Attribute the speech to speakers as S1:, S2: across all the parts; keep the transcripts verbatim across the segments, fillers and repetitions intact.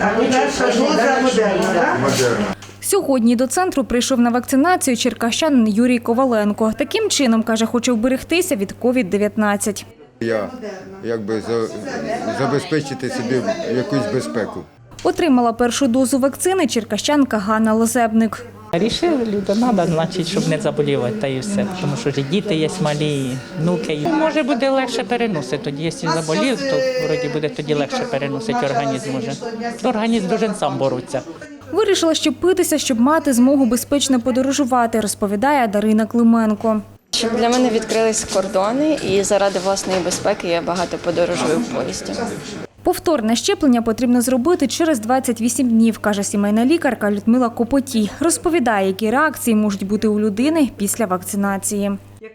S1: Перша доза Модерна, так?
S2: Модерна.
S3: Сьогодні до центру прийшов на вакцинацію черкащанин Юрій Коваленко. Таким чином, каже, хоче вберегтися від ковід дев'ятнадцять.
S2: Я якби за- забезпечити собі якусь безпеку.
S3: Отримала першу дозу вакцини черкащанка Ганна Лозебник.
S4: Рішили, люди, треба, значить, щоб не заболівати, та і все. Тому що ж і діти є малі, і внуки є. Може, буде легше переносити. Тоді, якщо заболів, то вроді буде тоді легше переносити організм. Може. Організм дуже сам бореться.
S3: Вирішила щепитися, щоб мати змогу безпечно подорожувати, розповідає Дарина Клименко.
S5: Щоб для мене відкрились кордони і заради власної безпеки я багато подорожую в поїзді.
S3: Повторне щеплення потрібно зробити через двадцять вісім днів, каже сімейна лікарка Людмила Копотій. Розповідає, які реакції можуть бути у людини після вакцинації.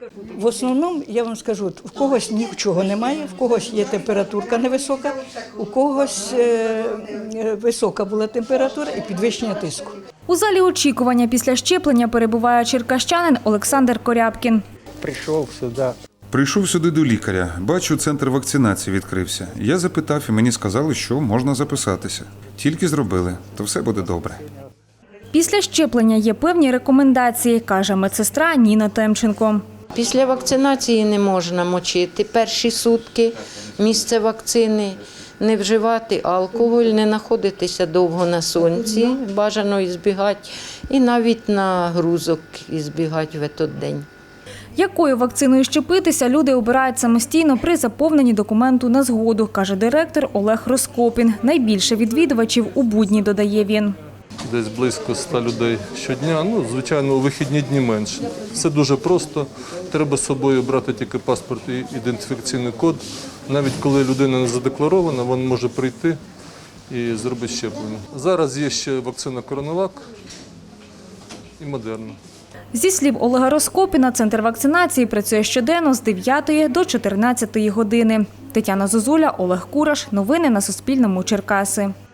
S6: В основному, я вам скажу, в когось нічого немає, в когось є температурка невисока, у когось е, висока була температура і підвищення тиску.
S3: У залі очікування після щеплення перебуває черкащанин Олександр Корябкін.
S7: Прийшов сюди.
S8: Прийшов сюди до лікаря. Бачу, центр вакцинації відкрився. Я запитав, і мені сказали, що можна записатися. Тільки зробили, то все буде добре.
S3: Після щеплення є певні рекомендації, каже медсестра Ніна Темченко.
S9: Після вакцинації не можна мочити перші сутки місце вакцини, не вживати алкоголь, не знаходитися довго на сонці, бажано ізбігати, і навіть на грузок ізбігати в той день.
S3: Якою вакциною щепитися, люди обирають самостійно при заповненні документу на згоду, каже директор Олег Роскопін. Найбільше відвідувачів у будні, додає він.
S10: Десь близько ста людей щодня, ну, звичайно, у вихідні дні менше. Все дуже просто, треба з собою брати тільки паспорт і ідентифікаційний код. Навіть коли людина не задекларована, вона може прийти і зробити щеплення. Зараз є ще вакцина Коронавак і Модерна.
S3: Зі слів Олега Роскопіна, центр вакцинації працює щоденно з дев'ятої до чотирнадцятої години. Тетяна Зозуля, Олег Кураш. Новини на Суспільному. Черкаси.